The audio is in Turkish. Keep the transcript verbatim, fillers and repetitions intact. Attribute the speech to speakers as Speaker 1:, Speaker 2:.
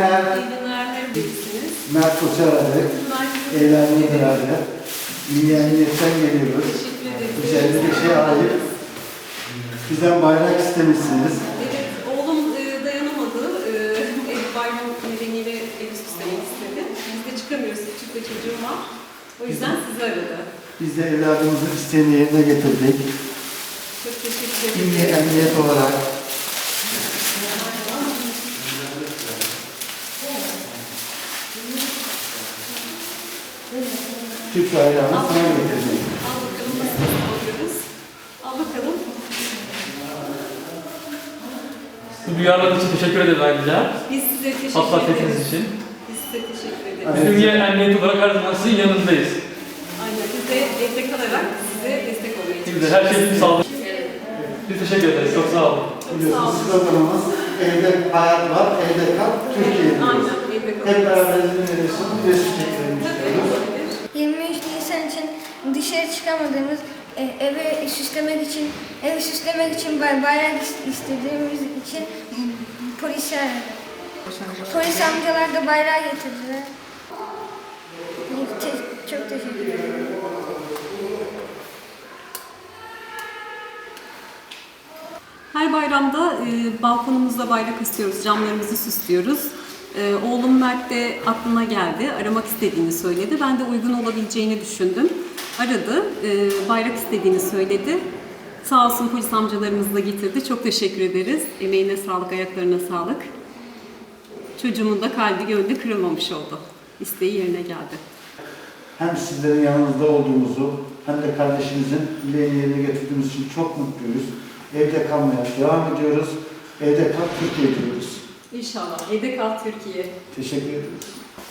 Speaker 1: günler.
Speaker 2: İyi günler, neredesiniz?
Speaker 1: Mert Koç'u aradık. Eğlenmeye beraber. İyi emniyetten geliyoruz.
Speaker 2: Teşekkür ederim.
Speaker 1: Güzel bir şey ait. Bizden bayrak istemişsiniz.
Speaker 2: Evet, oğlum e, dayanamadı. E, ev bayram nedeniyle evi süslemek istedi. Biz de çıkamıyoruz, küçük bir çocuğum var. O yüzden sizi aradı.
Speaker 1: Biz de evladımızın isteğini yerine getirdik.
Speaker 2: Çok teşekkür ederim.
Speaker 1: İyi emniyet olarak. Türk bayrağını sana getirdik.
Speaker 2: Al bakalım nasıl alıyoruz. Al bakalım.
Speaker 3: Bu duyarlılığınız için teşekkür ederiz ayrıca.
Speaker 2: Biz size teşekkür
Speaker 3: Hassasiyetiniz
Speaker 2: ederiz.
Speaker 3: için.
Speaker 2: Biz size teşekkür ederiz.
Speaker 1: Evet.
Speaker 3: Ümniye Emniyet olarak her zaman sizin yanınızdayız.
Speaker 2: Aynen, biz de evde kalarak size destek olmaya
Speaker 3: Biz de
Speaker 2: çalışıyoruz.
Speaker 3: her şey için sağlık. Biz teşekkür ederiz. Çok sağ olun.
Speaker 2: Çok sağ
Speaker 1: Biliyorsunuz
Speaker 2: olun.
Speaker 1: sloganımız evde hayat var, evde kal, Türkiye diyoruz.
Speaker 2: Aynen, evde kalıyoruz.
Speaker 1: Hep beraber izin veriyorsun, bir resim çekelim
Speaker 2: Tabii,
Speaker 1: istiyoruz.
Speaker 2: olabilir.
Speaker 4: yirmi üç Nisan için dışarı çıkamadığımız, e, evi süslemek için, evi süslemek için bay- bayrak is- istediğimiz için polisi aradık. Polis amcalar da bayrağı getirdiler. Te- çok teşekkür ederim.
Speaker 2: Her bayramda e, balkonumuzda bayrak istiyoruz, camlarımızı süslüyoruz. E, oğlum Mert de aklına geldi, aramak istediğini söyledi. Ben de uygun olabileceğini düşündüm. Aradı, e, bayrak istediğini söyledi. Sağ olsun polis amcalarımız da getirdi. Çok teşekkür ederiz. Emeğine sağlık, ayaklarına sağlık. Çocuğumun da kalbi gönlü kırılmamış oldu. İsteği yerine geldi.
Speaker 1: Hem sizlerin yanınızda olduğumuzu hem de kardeşimizin dileğini yerine getirdiğimiz için çok mutluyuz. Evde kalmaya devam ediyoruz. Evde kal Türkiye diyoruz.
Speaker 2: İnşallah. Evde kal Türkiye.
Speaker 1: Teşekkür ederiz.